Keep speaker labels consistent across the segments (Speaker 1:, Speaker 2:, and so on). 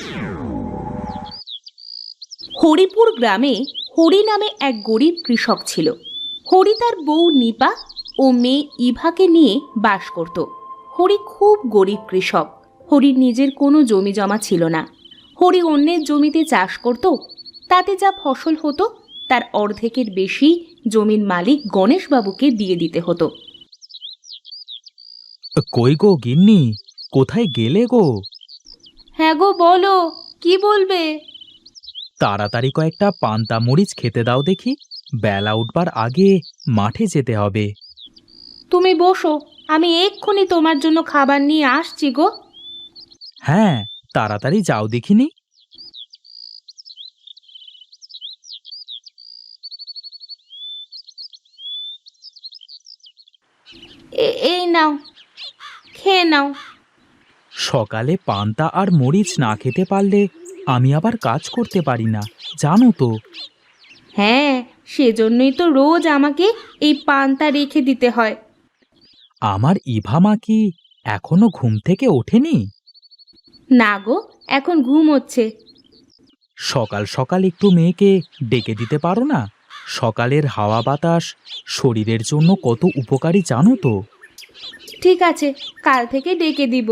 Speaker 1: হরিপুর গ্রামে হরি নামে এক গরিব কৃষক ছিল। হরি তার বউ নিপা ও মেয়ে ইভাকে নিয়ে বাস করত। হরি খুব গরিব কৃষক। হরির নিজের কোনো জমি জমা ছিল না। হরি অন্যের জমিতে চাষ করত। তাতে যা ফসল হতো তার অর্ধেকের বেশি জমির মালিক গণেশবাবুকে দিয়ে দিতে হতো।
Speaker 2: কই গো গিন্নি, কোথায় গেলে গো?
Speaker 1: হ্যাঁ গো, বলো, কি বলবে?
Speaker 2: তাড়াতাড়ি কয়েকটা পান্তা মরিচ খেতে দাও দেখি, বেলা উঠবার আগে মাঠে যেতে হবে।
Speaker 1: তুমি বসো, আমি এক্ষুনি তোমার জন্য খাবার নিয়ে আসছি গো।
Speaker 2: হ্যাঁ, তাড়াতাড়ি যাও দেখিনি।
Speaker 1: এই নাও, খেয়ে নাও।
Speaker 2: সকালে পান্তা আর মরিচ না খেতে পারলে আমি আবার কাজ করতে পারি না, জানো তো।
Speaker 1: হ্যাঁ, সেজন্যই তো রোজ আমাকে এই পান্তা রেখে দিতে হয়।
Speaker 2: আমার ইভা মা কি এখনো ঘুম থেকে ওঠেনি?
Speaker 1: না গো, এখন ঘুম হচ্ছে।
Speaker 2: সকাল সকাল একটু মেয়েকে ডেকে দিতে পারো না? সকালের হাওয়া বাতাস শরীরের জন্য কত উপকারী জানো তো।
Speaker 1: ঠিক আছে, কাল থেকে ডেকে দিব।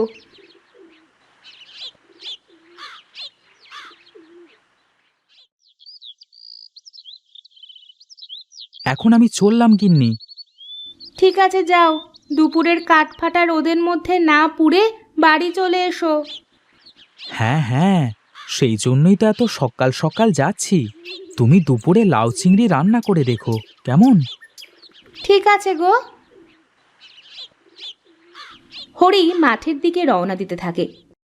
Speaker 2: এখন আমি চললাম গিন্নি।
Speaker 1: ঠিক আছে, যাও। দুপুরের কাঠফাটা রোদের মধ্যে না পুড়ে বাড়ি চলে এসো।
Speaker 2: হ্যাঁ হ্যাঁ, সেই জন্যই তো এত সকাল সকাল যাচ্ছি। তুমি দুপুরে লাউ চিংড়ি রান্না করে রেখো কেমন?
Speaker 1: ঠিক আছে গো। হরি মাঠের দিকে রওনা দিতে থাকে।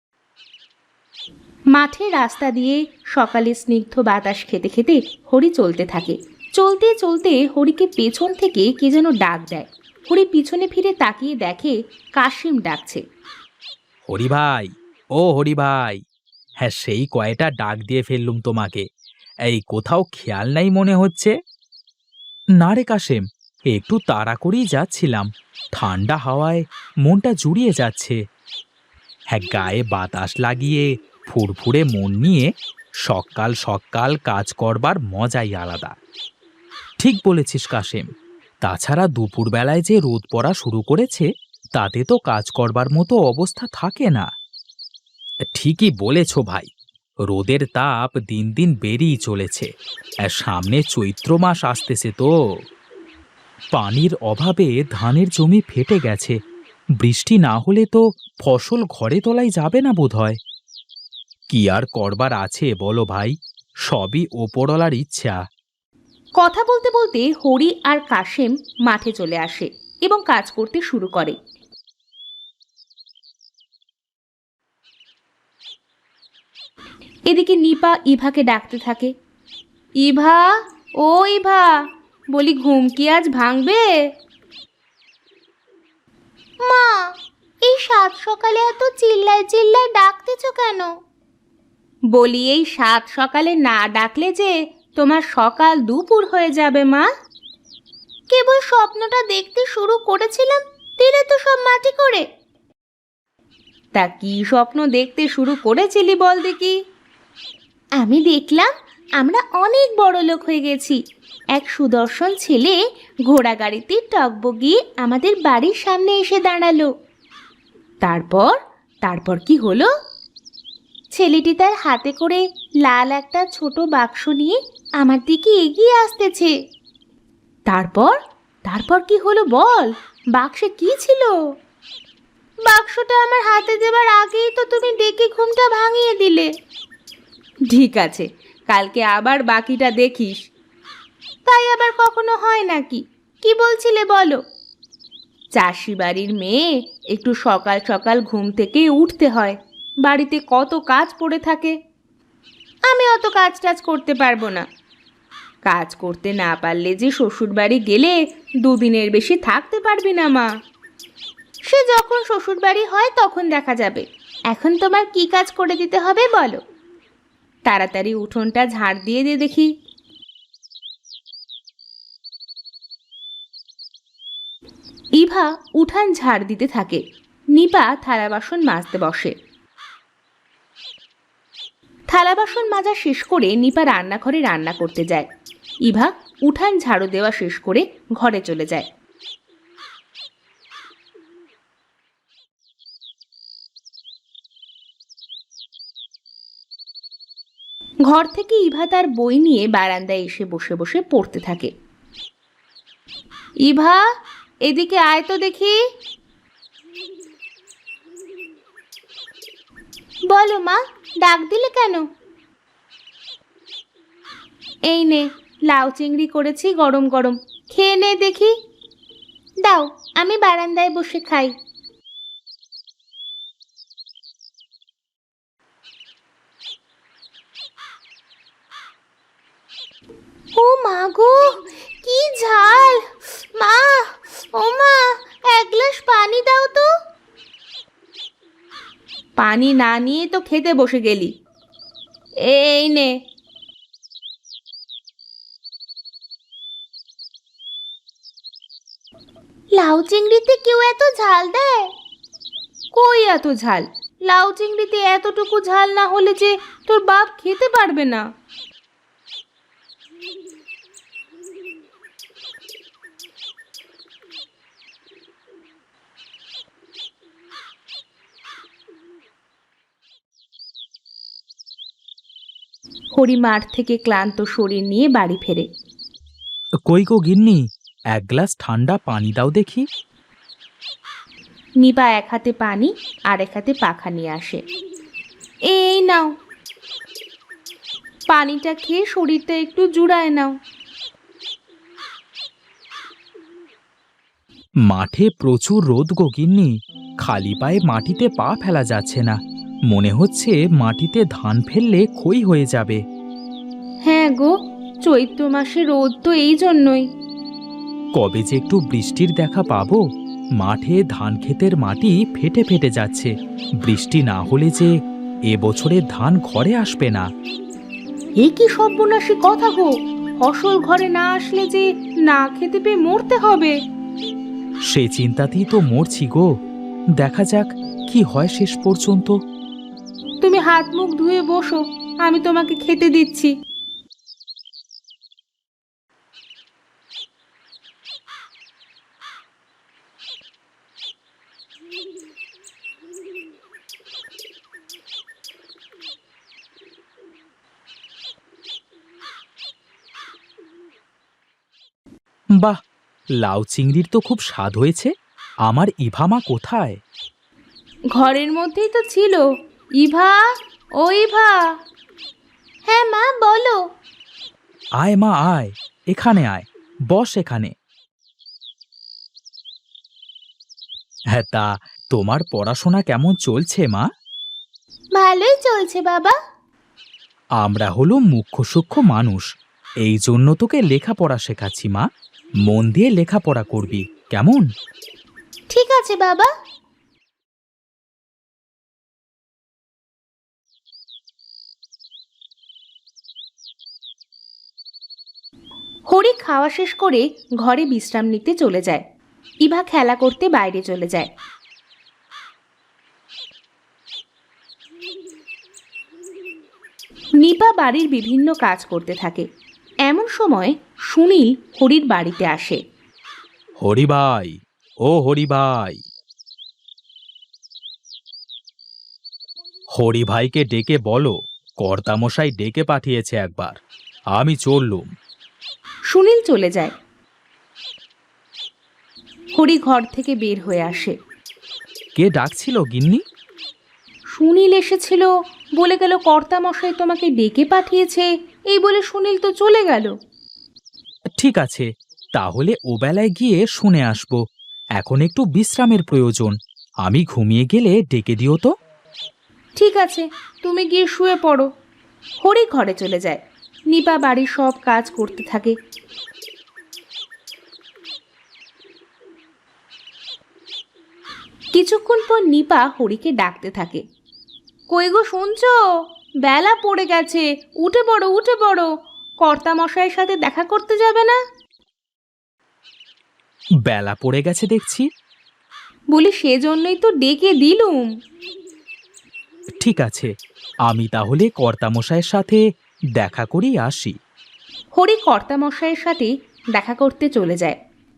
Speaker 1: মাঠের রাস্তা দিয়ে সকালে স্নিগ্ধ বাতাস খেতে খেতে হরি চলতে থাকে। চলতে চলতে হরিকে পেছন থেকে কে যেন ডাক দেয়। হরি পিছনে ফিরে তাকিয়ে দেখে কাশিম ডাকছে।
Speaker 2: হরি ভাই, ও হরি ভাই, হ্যাঁ সেই কয়টা ডাক দিয়ে ফেললুম তোমাকে। এই কোথাও খেয়াল নাই মনে হচ্ছে। না রে কাশেম, একটু তাড়া করেই যাচ্ছিলাম। ঠান্ডা হাওয়ায় মনটা জুড়িয়ে যাচ্ছে। হ্যাঁ, গায়ে বাতাস লাগিয়ে ফুরফুরে মন নিয়ে সকাল সকাল কাজ করবার মজাই আলাদা। ঠিক বলেছিস কাশেম। তাছাড়া দুপুরবেলায় যে রোদ পড়া শুরু করেছে, তাতে তো কাজ করবার মতো অবস্থা থাকে না। ঠিকই বলেছ ভাই, রোদের তাপ দিন দিন বেড়েই চলেছে। আর সামনে চৈত্র মাস আসতেছে তো। পানির অভাবে ধানের জমি ফেটে গেছে। বৃষ্টি না হলে তো ফসল ঘরে তোলাই যাবে না বোধহয়। কি আর করবার আছে বলো ভাই, সবই ওপরওয়ালার ইচ্ছা।
Speaker 1: কথা বলতে বলতে হরি আর কাশেম মাঠে চলে আসে এবং কাজ করতে শুরু করে। এদিকে নিপা ইভাকে ডাকতে থাকে। ইভা, ও ইভা, বলি ঘুম কি আজ ভাঙবে? মা, এই সাত সকালে এত চিল্লায় চিল্লায় ডাকতেছ কেন? বলি এই সাত সকালে না ডাকলে যে তোমার সকাল দুপুর হয়ে যাবে মা। কেবল স্বপ্নটা দেখতে শুরু করেছিলাম, দিলে তো সব মাটি করে। তা কি স্বপ্ন দেখতে শুরু করেছিলি বল দেখি? আমি দেখলাম আমরা অনেক বড় লোক হয়ে গেছি। এক সুদর্শন ছেলে ঘোড়া গাড়িতে টগবগিয়ে আমাদের বাড়ির সামনে এসে দাঁড়ালো। তারপর তারপর কি হলো? ছেলেটি তার হাতে করে লাল একটা ছোট বাক্স নিয়ে আমার দিকে এগিয়ে আসতেছে। তারপর তারপর কি হলো বল? বাক্সে কি ছিল? বাক্সটা আমার হাতে দেবার আগেই তো তুমি ডেকে ঘুমটা ভাঙিয়ে দিলে। ঠিক আছে, কালকে আবার বাকিটা দেখিস। তাই আবার কখনো হয় নাকি? কি বলছিলে বলো? চাষি বাড়ির মেয়ে, একটু সকাল সকাল ঘুম থেকে উঠতে হয়। বাড়িতে কত কাজ পড়ে থাকে। আমি অত কাজ টাজ করতে পারবো না। কাজ করতে না পারলে যে শ্বশুর বাড়ি গেলে দুদিনের বেশি থাকতে পারবি না মা। সে যখন শ্বশুর বাড়ি হয় তখন দেখা যাবে। এখন তোমার কি কাজ করে দিতে হবে বলো? তাড়াতাড়ি উঠোনটা ঝাড় দিয়ে দে দেখি। ইভা উঠান ঝাড় দিতে থাকে। নিপা থালা বাসন মাজতে বসে। থালা বাসন মাজা শেষ করে নিপা রান্নাঘরে রান্না করতে যায়। ইভা উঠান ঝাড়ু দেওয়া শেষ করে ঘরে চলে যায়। ঘর থেকে ইভা তার বই নিয়ে বারান্দায় এসে বসে বসে পড়তে থাকে। ইভা, এদিকে আয় তো দেখি। বলো মা, ডাক দিলে কেন? এই নে, লাউ চিংড়ি করেছি গরম গরম, খেয়ে নে দেখি। দাও, আমি বারান্দায় বসে খাই। ও মা গো, কি ঝাল! মা, ও মা, এক গ্লাস পানি দাও তো। পানি না নিয়ে তো খেতে বসে গেলি। এই নে। লাউ চিংড়িতে কেউ এত ঝাল দেয়? কই এত ঝাল? লাউ চিংড়িতে এতটুকু ঝাল না হলে যে তোর বাপ খেতে পারবে না। হরি মাঠ থেকে ক্লান্ত শরীর নিয়ে বাড়ি ফেরে।
Speaker 2: কই গো গিন্নি, এক গ্লাস ঠান্ডা পানি দাও দেখি।
Speaker 1: নিপা এক হাতে পানি আর এক হাতে পাখা নিয়ে আসে। এই নাও, পানিটা খেয়ে শরীরটা একটু জুড়ায় নাও।
Speaker 2: মাঠে প্রচুর রোদ গো গিন্নি, খালি পায়ে মাটিতে পা ফেলা যাচ্ছে না। মনে হচ্ছে মাটিতে ধান ফেললে ক্ষয় হয়ে যাবে।
Speaker 1: হ্যাঁ গো, চৈত্র মাসে রোদ তো এই জন্যই।
Speaker 2: কবে যে একটু বৃষ্টির দেখা পাবো? মাঠে ধান ক্ষেতের মাটি ফেটে ফেটে যাচ্ছে। বৃষ্টি না হলে যে এবছরে ধান ঘরে আসবে না।
Speaker 1: এ কি সর্বনাশী কথা গো! ফসল ঘরে না আসলে যে না খেতে পেয়ে মরতে হবে।
Speaker 2: সে চিন্তাতেই তো মরছি গো। দেখা যাক কি হয় শেষ পর্যন্ত।
Speaker 1: তুমি হাত মুখ ধুয়ে বসো, আমি তোমাকে খেতে দিচ্ছি।
Speaker 2: বাহ, লাউ চিংড়ির তো খুব স্বাদ হয়েছে। আমার ইভামা কোথায়?
Speaker 1: ঘরের মধ্যেই তো ছিল। ইভা, ও ইভা। হ্যাঁ মা, বলো।
Speaker 2: আয় মা আয়, এখানে আয়, বস এখানে। হ্যাঁ, তা তোমার পড়াশোনা কেমন চলছে মা?
Speaker 1: ভালোই চলছে বাবা।
Speaker 2: আমরা হলো মুখ্য সূক্ষ্ম মানুষ, এই জন্য তোকে লেখাপড়া শেখাচ্ছি মা। মন দিয়ে লেখাপড়া করবি, কেমন?
Speaker 1: ঠিক আছে বাবা। হরি খাওয়া শেষ করে ঘরে বিশ্রাম নিতে চলে যায়। ইভা খেলা করতে বাইরে চলে যায়। নিপা বাড়ির বিভিন্ন কাজ করতে থাকে। এমন সময় সুনীল হরির বাড়িতে আসে।
Speaker 2: হরি ভাই, ও হরি ভাই। হরি ভাইকে ডেকে বলো কর্তামশাই ডেকে পাঠিয়েছে একবার। আমি চললুম।
Speaker 1: সুনীল চলে যায়। হরি ঘর থেকে বের হয়ে আসে।
Speaker 2: কে ডাকছিল গিন্নি?
Speaker 1: সুনীল এসেছিল, বলে গেল কর্তামশাই তোমাকে ডেকে পাঠিয়েছে। এই বলে সুনীল তো চলে গেল।
Speaker 2: ঠিক আছে, তাহলে ও বেলায় গিয়ে শুনে আসব। এখন একটু বিশ্রামের প্রয়োজন। আমি ঘুমিয়ে গেলে ডেকে দিও তো।
Speaker 1: ঠিক আছে, তুমি গিয়ে শুয়ে পড়ো। হরি ঘরে চলে যায়। নিপা বাড়ির সব কাজ করতে থাকে। কিছুক্ষণ পর নিপা হরিকে ডাকতে থাকে। কই গো, শুনছো? বেলা পড়ে গেছে, উঠে পড়ো উঠে পড়ো। কর্তামশাইয়ের সাথে দেখা করতে যাবে না?
Speaker 2: বেলা পড়ে গেছে দেখছি।
Speaker 1: বলি সেজন্যই তো ডেকে দিলুম।
Speaker 2: ঠিক আছে, আমি তাহলে কর্তামশাইয়ের সাথে দেখা করেই আসি।
Speaker 1: হরি কর্তামশাইয়ের সাথে দেখা করতে চলে যায়।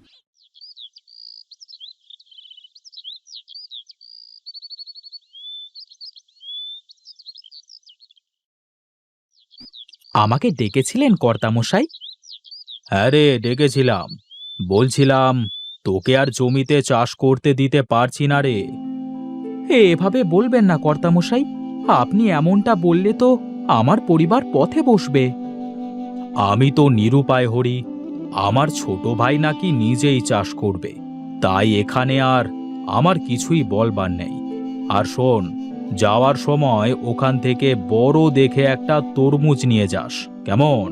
Speaker 2: আমাকে ডেকেছিলেন কর্তামশাই? হ্যাঁ রে, ডেকেছিলাম। বলছিলাম তোকে আর জমিতে চাষ করতে দিতে পারছি না রে। এভাবে বলবেন না কর্তামশাই, আপনি এমনটা বললে তো আমার পরিবার পথে বসবে। আমি তো নিরুপায় হরি, আমার ছোট ভাই নাকি নিজেই চাষ করবে, তাই এখানে আর আমার কিছুই বলবার নেই। আর শোন, যাওয়ার সময় ওখান থেকে বড় দেখে একটা তরমুজ নিয়ে যাস, কেমন?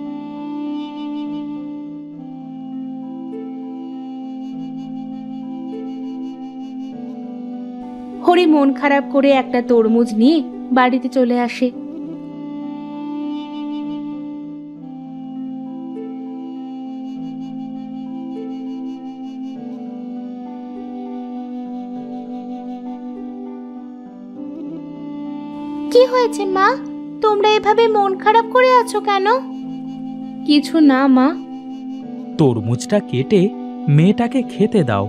Speaker 1: হরি মন খারাপ করে একটা তরমুজ নিয়ে বাড়িতে চলে আসে। কি হয়েছে মা, তোমরা এভাবে মন খারাপ করে আছো কেন? কিছু না মা।
Speaker 2: তরমুজটা কেটে মেয়েটাকে খেতে দাও।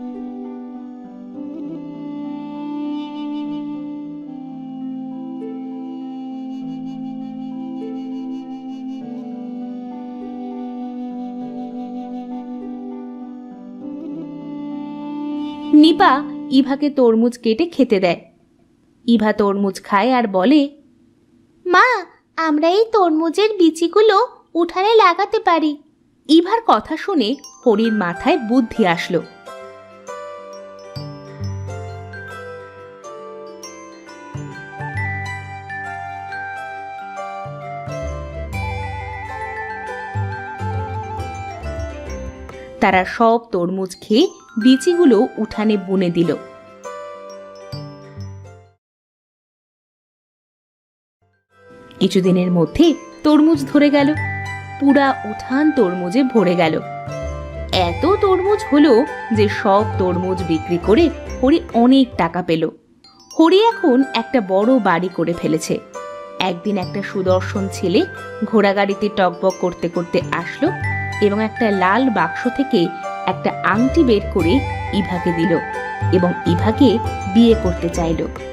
Speaker 1: নিপা ইভাকে তরমুজ কেটে খেতে দেয়। ইভা তরমুজ খায় আর বলে, মা, আমরা এই তরমুজের বিচিগুলো উঠানে লাগাতে পারি। ইভার কথা শুনে হরির মাথায় বুদ্ধি আসলো। তারা সব তরমুজ খেয়ে বিচিগুলো উঠানে বুনে দিল। কিছুদিনের মধ্যে তরমুজ ধরে গেল, পুরা উঠান তরমুজে ভরে গেল। এত তরমুজ হলো যে সব তরমুজ বিক্রি করে হরি অনেক টাকা পেল। হরি এখন একটা বড় বাড়ি করে ফেলেছে। একদিন একটা সুদর্শন ছেলে ঘোড়াগাড়িতে টকবক করতে করতে আসলো এবং একটা লাল বাক্স থেকে একটা আংটি বের করে ইভাকে দিল এবং ইভাকে বিয়ে করতে চাইল।